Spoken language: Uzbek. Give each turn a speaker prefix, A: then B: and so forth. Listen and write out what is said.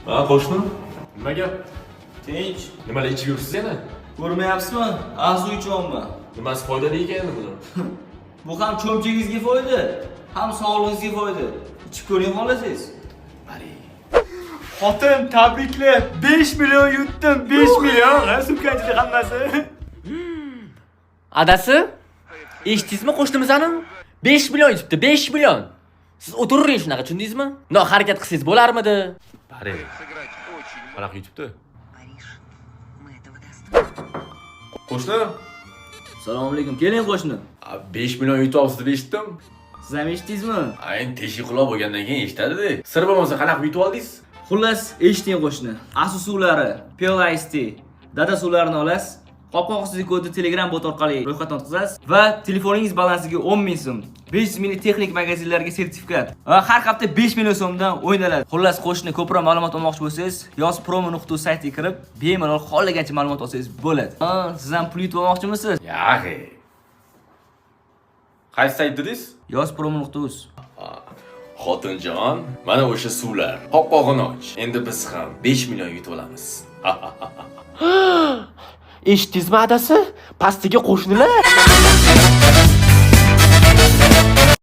A: Ha, qo'shni. Nima gap?
B: Tinch.
A: Nimalar ichib yuribsiz yana?
B: Ko'rmayapsizmi? Arzu ichayapman.
A: Nimasi foydali ekan buni?
B: Bu ham cho'mchagingizga foyda, ham sog'lig'ingizga foyda. Ichib ko'ring xohlasangiz.
C: Xotin, tabriklar. 5 million yutdim, 5 million. Ha, sumkanchida hammasi.
D: Adasi? Eshitdingizmi qo'shnimizni? 5 million yutibdi, 5 million. Siz o'tiring shunaqa, tushundingizmi? No, harakat qilsangiz bo'larmidi?
A: Bari. Qanaqa yutibdi? Qo'shni?
B: Assalomu alaykum. Keling qo'shni.
A: 5 million yutyapsiz deb eshitdim.
B: Siz ham eshitdingizmi?
A: Endi teshik quloq bo'lgandan keyin eshitadi. Sir bo'lmasa qanaqa yutib oldingiz?
B: Xullas, eshiting qo'shni. Asu suvlari, Pure Ice Tea, Dada suvlarini olasiz. Qopqoq ostidagi kodni Telegram bot orqali ro'yxatdan o'tkazasiz va telefoningiz balansiga 10 ming so'm, 500 ming texnik magazinlarga sertifikat va har hafta 5 million so'mdan o'ynaladi. Xullas, qo'shni ko'proq ma'lumot olmoqchi bo'lsangiz, yozpromo.uz saytiga kirib, bemalol xohlagancha ma'lumot olsangiz bo'ladi. Ha, siz ham pul yutib olmoqchimisiz?
A: Yaxshi. Qaysi sayt dedingiz?
B: Yozpromo.uz.
A: Xotinjon, mana o'sha suvlar. Qopqog'ini och. Endi biz ham 5 million yutib olamiz.
D: Eshitdingizmi adasi? Pastiga qo'shnilar.